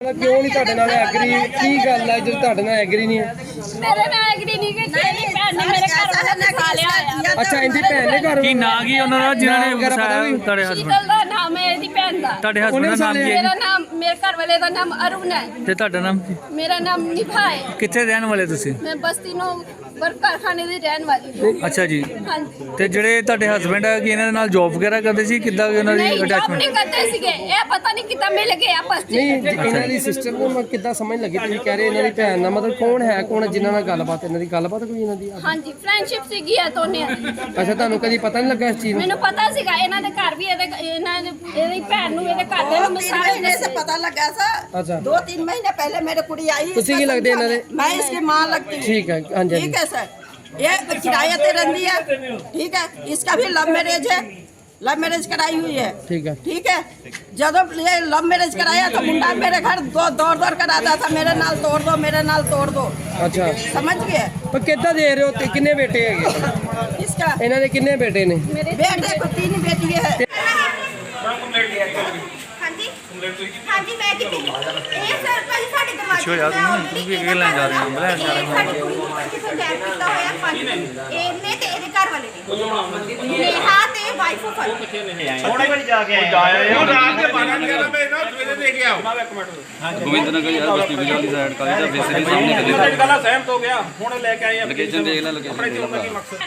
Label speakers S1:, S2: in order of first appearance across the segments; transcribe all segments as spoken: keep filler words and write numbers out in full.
S1: क्यों नहीं ਤੁਹਾਡੇ ਨਾਲ ਐਗਰੀ ਕੀ ਗੱਲ ਹੈ ਜਦੋਂ ਤੁਹਾਡੇ ਨਾਲ ਐਗਰੀ ਨਹੀਂ ਹੈ
S2: ਮੇਰੇ ਨਾਲ ਐਗਰੀ ਨਹੀਂ ਕਿ ਮੇਰੀ ਭੈਣ ਨੇ ਮੇਰੇ ਘਰ ਵਾਲਾ ਫਸਾ ਲਿਆ ਆ।
S1: ਅੱਛਾ ਇਹਦੀ ਭੈਣ ਨੇ ਘਰ
S3: ਕੀ ਨਾਂ ਕੀ ਉਹਨਾਂ ਦਾ ਜਿਨ੍ਹਾਂ ਨੇ ਫਸਾਇਆ ਤੁਹਾਡੇ ਹਸਬੰਦ
S2: ਸ਼ੀਤਲ ਦਾ ਨਾਮ ਹੈ ਇਹਦੀ ਭੈਣ ਦਾ।
S3: ਤੁਹਾਡੇ ਹਸਬੰਦ ਦਾ ਨਾਮ ਕੀ ਹੈ
S2: ਮੇਰਾ ਨਾਮ ਮੇਰੇ ਘਰ ਵਾਲੇ ਦਾ ਨਾਮ ਅਰੁਣ ਹੈ
S3: ਤੇ ਤੁਹਾਡਾ ਨਾਮ ਕੀ?
S2: ਮੇਰਾ ਨਾਮ ਨਿਭਾ ਹੈ।
S3: ਕਿੱਥੇ ਰਹਿਣ ਵਾਲੇ ਤੁਸੀਂ?
S2: ਮੈਂ ਬਸਤੀ ਨੂੰ ਵਰਕ ਕਾਰਖਾਨੇ ਦੀ ਰਹਿਣ ਵਾਲੀ ਹਾਂ।
S3: ਅੱਛਾ ਜੀ।
S2: ਹਾਂਜੀ
S3: ਤੇ ਜਿਹੜੇ ਤੁਹਾਡੇ ਹਸਬੰਡ ਹੈ ਕਿ ਇਹਨਾਂ ਦੇ ਨਾਲ ਜੌਬ ਵਗੈਰਾ ਕਰਦੇ ਸੀ ਕਿੱਦਾਂ ਉਹਨਾਂ ਦੀ
S2: ਨਹੀਂ job
S3: ਅਟੈਚਮੈਂਟ?
S2: ਨਹੀਂ ਕਰਦੇ ਸੀਗੇ ਇਹ ਪਤਾ ਨਹੀਂ ਕਿੱਦਾਂ ਮਿਲ ਗਏ ਆਪਸ ਚ।
S1: ਨਹੀਂ ਇਹਨਾਂ ਦੀ ਸਿਸਟਰ ਨੂੰ ਮੈਂ ਕਿੱਦਾਂ ਸਮਝ ਲੱਗੀ ਤੁਸੀਂ ਕਹਿ ਰਹੇ ਇਹਨਾਂ ਦੀ ਭੈਣ ਨਾਲ ਮਤਲਬ ਕੌਣ ਹੈ ਕੌਣ ਜਿਨ੍ਹਾਂ ਨਾਲ ਗੱਲਬਾਤ ਇਹਨਾਂ ਦੀ ਗੱਲਬਾਤ ਕੋਈ ਇਹਨਾਂ ਦੀ
S2: ਹਾਂਜੀ ਫਰੈਂਡਸ਼ਿਪ ਸੀਗੀ ਆ ਦੋਨੇ ਦੀ।
S1: ਅੱਛਾ ਤੁਹਾਨੂੰ ਕਦੀ ਪਤਾ ਨਹੀਂ ਲੱਗਾ ਇਸ ਚੀਜ਼ ਨੂੰ?
S2: ਮੈਨੂੰ ਪਤਾ ਸੀਗਾ ਇਹਨਾਂ ਦੇ ਘਰ ਵੀ ਇਹਦੇ ਇਹਨਾਂ ਦੇ ਇਹਦੀ ਭੈਣ ਨੂੰ ਇਹਦੇ ਘਰ ਦੇ ਨੂੰ ਮੈਂ ਸਾਰੇ
S4: महीने से पता लगा सर।
S1: अच्छा
S4: दो तीन महीने पहले मेरे कुड़ी आई।
S1: तुसी की लगती है इन्होंने?
S4: मैं इसकी माँ लगती हूँ।
S1: ठीक है हाँ जी
S4: ठीक है सर। ये किराया ते रहती है। ठीक है इसका भी लव मैरिज है। लव मैरिज कराई हुई है।
S1: ठीक है
S4: ठीक है जब ये लव मैरिज कराया तो मुंडा मेरे घर दो दौड़ दौड़ कर आता था मेरे नाल तोड़ दो मेरे नाल तोड़ दो।
S1: अच्छा
S4: समझ गए?
S1: पर कितना दे रहे हो ते कितने बेटे है
S4: इसका
S1: ਇਹਨਾਂ ਦੇ ਕਿੰਨੇ ਬੇਟੇ ਨੇ?
S4: बेटे को तीन बेटी है।
S5: ਹਾਂਜੀ ਹਾਂਜੀ ਮੈਂ ਕੀਤੀ ਇਹ ਸਰ ਭਾਜੀ ਸਾਡੇ ਦਿਮਾਗ
S3: ਪਿੱਛੇ ਹੋ ਜਾ ਤੂੰ, ਤੂੰ ਵੀ ਅੱਗੇ ਲੈਣ ਜਾ ਰਿਹਾ, ਅੰਬਲੇ ਜਾ ਰਿਹਾ।
S5: ਸਾਡੀ ਕੁੜੀ ਨੂੰ ਅੱਜ ਪ੍ਰੋਜੈਕਟ ਕੀਤਾ ਹੋਇਆ ਪੰਜ ਇਹਨੇ ਤੇ ਇਹਦੇ ਘਰ ਵਾਲੇ ਨੇ ਨੇਹਾ ਤੇ ਵਾਈਫ ਆਫ
S6: ਥੋੜੇ ਵਾਰੀ ਜਾ ਕੇ ਆਏ ਉਹ ਰਾਤ ਦੇ ਬਾਰਾਂ ਗਿਆਰਾਂ ਵਜੇ ਨਾ ਸਵੇਰੇ ਦੇ ਕੇ ਆਓ ਇੱਕ ਮਿੰਟ
S7: ਗੋਬਿੰਦ ਨਗਰ ਯਾਰ ਬਸਤੀ ਵਿਜਲ ਦੀ ਸਾਈਡ ਕਾਲੀ ਦਾ ਬੇਸ ਦੇ ਸਾਹਮਣੇ ਕਦੇ
S6: ਮੈਂ ਗੱਲਾਂ ਸਹਿਮਤ ਹੋ ਗਿਆ ਹੁਣ ਲੈ ਕੇ ਆਏ ਆ
S7: ਲੋਕੇਸ਼ਨ ਦੇਖ ਲੈ ਲੋਕੇਸ਼ਨ
S6: ਆਪਣੇ ਚੋਣ ਦਾ ਕੀ ਮਕਸਦ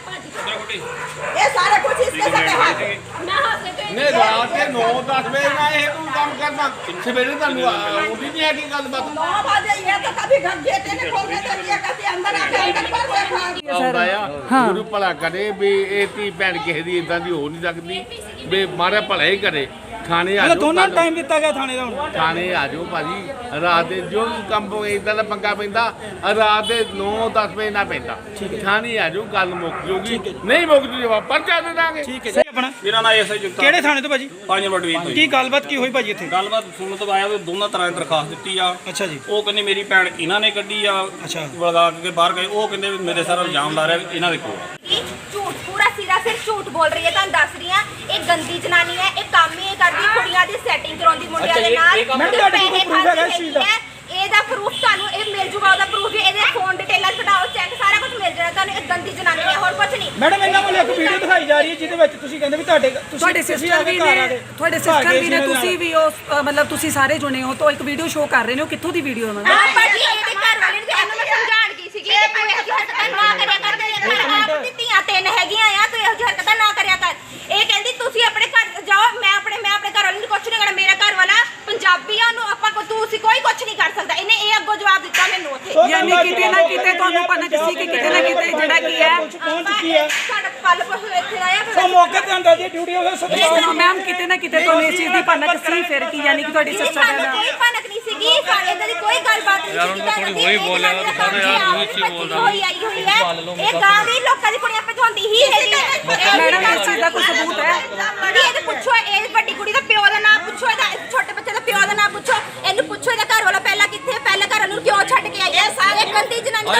S4: ये सारा कुछ इसके साथ है।
S2: ਮੈਂ ਹੱਸੇ ਤੇ
S6: ਨੇ ਰਾਤ ਦੇ ਨੌ ਦਸ ਵਜੇ ਨਾ ਇਹ ਤੂੰ ਕੰਮ ਕਰਨਾ ਸਵੇਰੇ ਤੁਹਾਨੂੰ ਆਉਂਦੀ ਨਹੀਂ ਹੈ ਕੀ ਗੱਲਬਾਤ
S4: नौ बजे ये तो कभी घर गेटे ने खोल के दे दिया कहते अंदर आके अंदर पर देखा।
S6: ਆਉਂਦਾ ਆ ਗੁਰੂ ਭਲਾ ਕਰੇ ਵੀ ਇਹ ਧੀ ਭੈਣ ਕਿਸੇ ਦੀ ਇਦਾਂ ਦੀ ਹੋ ਨਹੀਂ ਸਕਦੀ ਵੀ ਮਾਰੇ ਭਲਾ ਹੀ ਕਰੇ। ਥਾਣੇ ਆ ਜਾਓ ਦੋਨਾਂ ਟਾਈਮ ਦਿੱਤਾ ਗਿਆ ਥਾਣੇ ਦਾ ਹੁਣ ਥਾਣੇ ਆ ਜਾਓ ਭਾਜੀ ਰਾਤ ਦੇ ਜੋ ਵੀ ਕੰਮ ਇਦਾਂ ਦਾ ਪੰਗਾ ਪੈਂਦਾ ਰਾਤ ਦੇ ਨੌ ਦਸ ਵਜੇ ਨਾ ਪੈਂਦਾ ਥਾਣੇ ਆ ਜਾਓ ਗੱਲ ਮੁੱਕ ਜੂਗੀ ਨਹੀਂ ਮੁੱਕ ਜੂ ਜਵਾਬ ਪਰਚਾ ਦੇ ਦਾਂਗੇ।
S8: ਠੀਕ ਹੈ ਆਪਣਾ
S6: ਮੇਰਾ ਨਾਮ ਐਸਆਈ ਜੁਗਤਾ
S8: ਕਿਹੜੇ ਥਾਣੇ ਤੋਂ ਭਾਜੀ?
S6: ਪੰਜ ਨੰਬਰ ਡਿਵੀਜ਼ਨ ਤੋਂ
S8: ਕੀ ਗੱਲਬਾਤ ਕੀ ਹੋਈ ਭਾਜੀ ਇੱਥੇ?
S6: ਗੱਲਬਾਤ ਸੁਣਨ ਤੋਂ ਆਇਆ ਵੀ ਦੋਨਾਂ ਤਰ੍ਹਾਂ ਦੀ ਦਰਖਾਸਤ ਦਿੱਤੀ ਆ।
S8: ਅੱਛਾ ਜੀ।
S6: ਉਹ ਕਹਿੰਦੇ ਮੇਰੀ ਭੈਣ ਇਹਨਾਂ ਨੇ ਕੱਢੀ ਆ
S8: ਅੱਛਾ।
S6: ਵਲਗਾ ਕੇ ਬਾਹਰ ਗਏ ਉਹ ਕਹਿੰਦੇ ਵੀ ਮੇਰੇ ਸਾਰਾ ਇਲਜ਼ਾਮ ਲਾ ਰਿਹਾ ਵੀ ਇਹਨਾਂ ਦੇ ਕੋਲ ਆ।
S5: ਝੂਠ ਪੂਰਾ ਸਿਰਾ ਸਿਰ ਝੂਠ ਬੋਲ ਰਹੀ ਹੈ ਤੁਹਾਨੂੰ ਦੱਸ ਰਹੀ ਆ ਇਹ ਗੰਦੀ ਜਨਾਨੀ ਹੈ ਇਹ ਕੰਮ ਹੀ ਇਹ ਕਰਦੀ ਕੁੜੀਆਂ ਦੀ ਸੈਟਿੰਗ ਕਰਾਉਂਦੀ ਮੁੰਡਿਆਂ ਦੇ ਨਾਲ
S8: ਮੈਂ ਤੁਹਾਡੇ ਕੋਲ proof ਹੈਗਾ ਇਸ ਚੀਜ਼ ਦਾ?
S5: ਇਹਦਾ ਪ੍ਰੂਫ ਤੁਹਾਨੂੰ ਇਹ ਮਿਲ ਜੂਗਾ ਉਹਦਾ ਪ੍ਰੂਫ ਵੀ ਇਹਦੇ ਫੋਨ ਡਿਟੇਲਾਂ ਕਢਾਓ ਚੈੱਕ ਸਾਰਾ ਕੁਝ ਮਿਲ ਜਾਣਾ ਤੁਹਾਨੂੰ। ਇਹ ਗੰਦੀ ਜਨਾਨੀ ਹੈ ਹੋਰ ਕੁਝ ਨਹੀਂ।
S8: ਮੈਡਮ ਇਹਨਾਂ ਵੱਲੋਂ ਇੱਕ ਵੀਡੀਓ ਦਿਖਾਈ ਜਾ ਰਹੀ ਹੈ ਜਿਹਦੇ ਵਿੱਚ ਤੁਸੀਂ ਕਹਿੰਦੇ ਵੀ ਤੁਹਾਡੇ ਤੁਸੀਂ
S9: ਤੁਹਾਡੇ ਸਿਸਟਰ ਵੀ ਨੇ ਤੁਹਾਡੇ ਸਿਸਟਰ ਵੀ ਨੇ ਤੁਸੀਂ ਵੀ ਉਹ ਅ, ਮਤਲਬ ਤੁਸੀਂ ਸਾਰੇ ਜੁਨੇ ਹੋ ਤਾਂ ਇੱਕ ਵੀਡੀਓ ਸ਼ੋਅ ਕਰ ਰਹੇ ਨੇ ਉਹ ਕਿੱਥੋਂ ਦੀ ਵੀਡੀਓ ਉਹਨਾਂ
S5: ਹਾਂ ਭਾਜੀ ਇਹਦੇ ਘਰ ਵਾਲੇ ਨੂੰ ਇਹਨੂੰ ਮੈਂ ਸਮਝਾਣ ਗਈ ਸੀਗੀ ਕਿ ਤੂੰ ਇਹੋ ਜਿਹੀ ਹਰਕਤਾਂ ਨਾ ਕਰਿਆ ਕਰ ਤੇਰੇ ਘਰ ਆਪ ਦੀ ਧੀਆਂ ਤਿੰਨ ਹੈਗੀਆਂ ਆ ਤੂੰ ਇਹੋ ਜਿਹੀ ਹਰਕਤਾਂ ਨਾ ਕਰਿਆ ਕਰ। ਇਹ ਕਹਿੰਦੀ ਤੁਸੀਂ ਆਪਣੇ ਘਰ ਜਾਓ ਮੈਂ ਆਪਣੇ ਮੈਂ ਆਪਣੇ ਘਰ ਵਾਲੇ ਨੂੰ ਕੁਝ ਨਹੀਂ ਕਰਨਾ ਮੇਰਾ ਘਰ ਵਾਲਾ ਪੰਜਾਬੀ ਆ ਉਹਨੂੰ ਆਪਾਂ ਤੁਸੀਂ ਕੋਈ ਕੁਝ ਨਹੀਂ ਕਰ ਸਕਦਾ। ਇਹਨੇ ਇਹ ਅੱਗੋਂ ਜਵਾਬ ਦਿੱਤਾ ਮੈਨੂੰ ਉੱਥੇ।
S9: ਯਾਨੀ ਕਿਤੇ ਨਾ ਕਿਤੇ ਤੁਹਾਨੂੰ ਪਤਾ ਸੀ ਕਿ ਕਿਤੇ ਨਾ ਕਿਤੇ ਜਿਹੜਾ ਕੀ ਹੈ
S8: ਪਹੁੰਚ ਚੁੱਕੀ ਹੈ
S5: ਸਾਡਾ ਪਲ ਪਹੁ ਇੱਥੇ ਆਇਆ
S8: ਉਹ
S5: ਫਿਰ
S8: ਮੌਕੇ ਤੇ ਅੰਦਰ ਦੀ ਡਿਊਟੀ ਉਹਦਾ ਸਤਿਕਾਰ
S9: ਮੈਮ ਕਿਤੇ ਨਾ ਕਿਤੇ ਤੁਹਾਨੂੰ ਇਸ ਚੀਜ਼ ਦੀ ਭਨਕ ਸੀ ਫਿਰ ਕੀ ਯਾਨੀ ਕਿ ਤੁਹਾਡੀ ਸਿਸਟਰ
S5: ਸਾਨੂੰ
S9: ਦਾ
S5: ਕੋਈ ਭਨਕ ਨਹੀਂ ਸੀਗੀ ਸਾਡੇ ਇਦਾਂ ਦੀ ਕੋਈ ਗੱਲਬਾਤ ਨਹੀਂ ਸੀ।
S7: ਥੋੜੀ ਹੋਈ ਬੋਲਿਆ ਸਾਰੇ ਯਾਰ ਉਹੀ ਚੀਜ਼ ਬੋਲਦਾ
S5: ਹੋਈ ਆਈ ਹੋਈ ਹੈ ਇਹ ਗਾਂ ਦੀ ਲੋਕਾਂ ਦੀ ਕੁੜੀਆਂ ਪਛਾਉਂਦੀ ਹੀ ਹੈਗੀ ਹੈ।
S9: ਮੈਡਮ ਇਸ ਚੀਜ਼ ਦਾ ਕੋਈ ਸਬੂਤ ਹੈ?
S5: ਕੁੜੀ ਇਹਦੇ ਪੁੱਛੋ ਇਹ ਵੱਡੀ ਕੁੜੀ ਦਾ ਪਿਓ ਦਾ ਨਾਮ ਪੁੱਛੋ ਇਹਦਾ ਛੋਟੇ ਬੱਚੇ ਦਾ ਪਿਓ ਦਾ ਨਾਮ ਪੁੱਛੋ ਇਹਨੂੰ ਪੁੱਛੋ ਇਹਦਾ ਘਰ ਵਾਲਾ ਪਹਿਲਾਂ ਕਿੱਥੇ ਪਹਿਲਾਂ ਘਰ ਨੂੰ ਕਿਉਂ ਛੱਡ ਕੇ ਆਈ ਹੈ। ਸਾਰੇ ਗੰਦੀ ਜਨਾਨੀ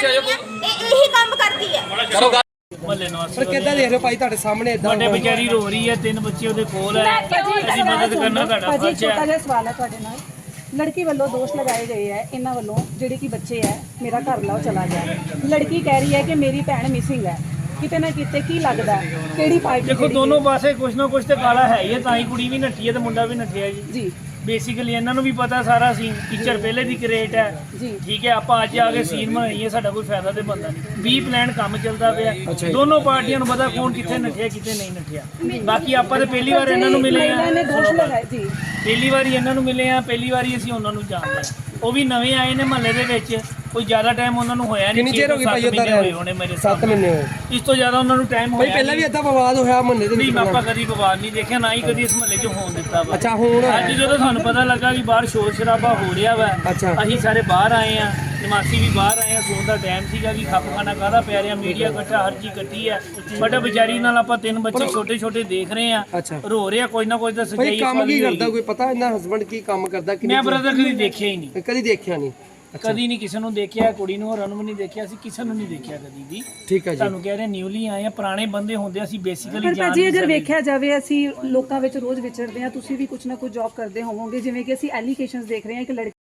S5: ਇਹ ਇਹੀ ਕੰਮ ਕਰਦੀ ਹੈ।
S1: ਪਰ ਕਿੱਦਾਂ ਦੇਖ ਰਹੇ ਹੋ ਭਾਈ ਤੁਹਾਡੇ ਸਾਹਮਣੇ ਇਦਾਂ
S3: ਵੱਡੇ ਵਿਚਾਰੀ ਰੋ ਰਹੀ ਹੈ ਤਿੰਨ ਬੱਚੇ ਉਹਦੇ ਕੋਲ ਹੈ ਅਸੀਂ ਮਦਦ ਕਰਨਾ ਤੁਹਾਡਾ
S9: ਭਾਜੀ
S3: ਫਰਜ਼
S9: ਛੋਟਾ
S3: ਹੈ।
S9: ਜਿਹਾ ਸਵਾਲ ਹੈ ਤੁਹਾਡੇ ਨਾਲ ਲੜਕੀ ਵੱਲੋਂ ਦੋਸ਼ ਲਗਾਏ ਗਏ ਹੈ ਇਹਨਾਂ ਵੱਲੋਂ ਜਿਹੜੇ ਕਿ ਬੱਚੇ ਹੈ ਮੇਰਾ ਘਰ ਲਾਓ ਚਲਾ ਗਿਆ ਲੜਕੀ ਕਹਿ ਰਹੀ ਹੈ ਕਿ ਮੇਰੀ ਭੈਣ ਮਿਸਿੰਗ ਹੈ ਕਿਤੇ ਨਾ ਕਿਤੇ ਕੀ ਲੱਗਦਾ ਕਿਹੜੀ ਪਾਰਟੀ
S3: ਦੇਖੋ ਦੋਨੋਂ ਪਾਸੇ ਕੁਛ ਨਾ ਕੁਛ ਤੇ ਕਾਲਾ ਹੈ ਹੀ ਹੈ ਤਾਂ ਹੀ ਕੁੜੀ ਵੀ ਨੱਠੀ ਹੈ ਤੇ ਮੁੰਡਾ ਵੀ ਨੱਠਿਆ ਜੀ।
S9: ਜੀ
S3: ਬੇਸਿਕਲੀ ਇਹਨਾਂ ਨੂੰ ਵੀ ਪਤਾ ਸਾਰਾ ਸੀਨ ਟੀਚਰ ਪਹਿਲੇ ਦੀ ਕ੍ਰੀਏਟ ਹੈ
S9: ਜੀ।
S3: ਠੀਕ ਹੈ ਆਪਾਂ ਅੱਜ ਆ ਕੇ ਸੀਨ ਬਣਾਈਏ ਸਾਡਾ ਕੋਈ ਫਾਇਦਾ ਤੇ ਬੰਦਾ ਨਹੀਂ ਵੀਹ ਪਲਾਨ ਕੰਮ ਚੱਲਦਾ ਪਿਆ ਦੋਨੋਂ ਪਾਰਟੀਆਂ ਨੂੰ ਪਤਾ ਕੌਣ ਕਿੱਥੇ ਨੱਠਿਆ ਕਿੱਥੇ ਨਹੀਂ ਨੱਠਿਆ। ਬਾਕੀ ਆਪਾਂ ਤੇ ਪਹਿਲੀ ਵਾਰ ਇਹਨਾਂ ਨੂੰ ਮਿਲੇ ਆ
S9: ਨੇ ਦੋਸ਼ ਲਗਾਏ ਜੀ
S3: ਪਹਿਲੀ ਵਾਰੀ ਇਹਨਾਂ ਨੂੰ ਮਿਲੇ ਆ ਪਹਿਲੀ ਵਾਰੀ ਅਸੀਂ ਉਹਨਾਂ ਨੂੰ ਜਾਣਦੇ ਹਾਂ। ਉਹ ਵੀ ਨਵੇਂ ਆਏ ਨੇ ਮਹੱਲੇ ਦੇ ਵਿੱਚ ਕੋਈ ਜ਼ਿਆਦਾ ਟਾਈਮ ਉਹਨਾਂ ਨੂੰ ਹੋਇਆ ਨਹੀਂ।
S1: ਕਿੰਨੀ ਚਿਰ ਹੋ ਗਈ ਭਾਈ ਉੱਧਰ
S3: ਹੋਏ ਹੋਣੇ ਮੇਰੇ
S1: ਸੱਤ ਮਹੀਨੇ ਹੋਏ।
S3: ਇਸ ਤੋਂ ਜ਼ਿਆਦਾ ਉਹਨਾਂ ਨੂੰ ਟਾਈਮ
S1: ਭਾਈ
S3: ਹੋਇਆ
S1: ਪਹਿਲਾਂ ਵੀ ਏਦਾਂ ਵਿਵਾਦ ਹੋਇਆ ਮੁਹੱਲੇ ਦੇ
S3: ਨਹੀਂ
S1: ਵਿੱਚ?
S3: ਆਪਾਂ ਕਦੀ ਵਿਵਾਦ ਨਹੀਂ ਦੇਖਿਆ ਨਾ ਹੀ ਕਦੀ ਇਸ ਮਹੱਲੇ 'ਚ ਹੋਣ ਦਿੱਤਾ ਵਾ।
S1: ਅੱਛਾ ਹੁਣ
S3: ਅੱਜ ਜਦੋਂ ਸਾਨੂੰ ਪਤਾ ਲੱਗਾ ਵੀ ਬਾਹਰ ਸ਼ੋਰ ਸ਼ਰਾਬਾ ਹੋ ਰਿਹਾ ਵਾ
S1: ਅੱਛਾ।
S3: ਅਸੀਂ ਸਾਰੇ ਬਾਹਰ ਆਏ ਆ ਨਿਵਾਸੀ ਵੀ ਬਾਹਰ ਆਏ ਆ ਸੌਣ ਦਾ ਟਾਈਮ ਸੀਗਾ ਵੀ ਖੱਪ ਖਾਣਾ ਕਾਹਦਾ ਪੈ ਰਿਹਾ ਮੀਡੀਆ ਇਕੱਠਾ ਹਰ ਚੀਜ਼ ਇਕੱਠੀ ਆ ਬਟ ਵਿਚਾਰੀ ਨਾਲ ਆਪਾਂ ਤਿੰਨ ਬੱਚੇ ਛੋਟੇ ਛੋਟੇ ਦੇਖ ਰਹੇ ਆ
S1: ਅੱਛਾ।
S3: ਰੋ ਰਿਹਾ ਕੋਈ ਨਾ ਕੋਈ ਤਾਂ
S1: ਭਾਈ
S3: ਸਜਾਈ
S1: ਕੰਮ ਕੀ ਕਰਦਾ ਕੋਈ ਪਤਾ ਇਹਨਾਂ ਹਸਬੰਡ ਕੀ ਕੰਮ ਕਰਦਾ ਕਿ
S3: ਮੈਂ ਬ੍ਰਦਰ ਕਦੀ ਦੇਖਿਆ ਹੀ ਨਹੀਂ
S1: ਕਦੀ ਦੇਖਿਆ ਨਹੀਂ
S3: ਕਦੀ ਨਹੀਂ ਕਿਸੇ ਨੂੰ ਦੇਖਿਆ, ਕੁੜੀ ਨੂੰ ਹੋਰਾਂ ਨੂੰ ਵੀ ਨਹੀਂ ਦੇਖਿਆ, ਅਸੀਂ ਕਿਸੇ ਨੂੰ ਨਹੀਂ ਦੇਖਿਆ ਕਦੀ ਵੀ।
S1: ਠੀਕ ਹੈ ਜੀ।
S3: ਤੁਹਾਨੂੰ ਕਹਿ ਰਹੇ ਨਿਊਲੀ ਆਏ ਆ, ਪੁਰਾਣੇ ਬੰਦੇ ਹੁੰਦੇ ਅਸੀਂ ਬੇਸਿਕਲੀ
S9: ਪਰ
S3: ਜਾਣ
S9: ਭਾਜੀ
S3: ਨਹੀਂ
S9: ਅਗਰ
S3: ਸਕਦੇ।
S9: ਵੇਖਿਆ ਜਾਵੇ ਅਸੀਂ ਲੋਕਾਂ ਵਿੱਚ ਰੋਜ਼ ਵਿਚਰਦੇ ਹਾਂ, ਤੁਸੀਂ ਵੀ ਕੁਝ ਨਾ ਕੁਝ ਜੌਬ ਕਰਦੇ ਹੋਵੋਗੇ, ਜਿਵੇਂ ਕਿ ਅਸੀਂ ਐਲੀਗੇਸ਼ਨਸ ਦੇਖ ਰਹੇ ਹਾਂ ਕਿ ਲੜਕੀ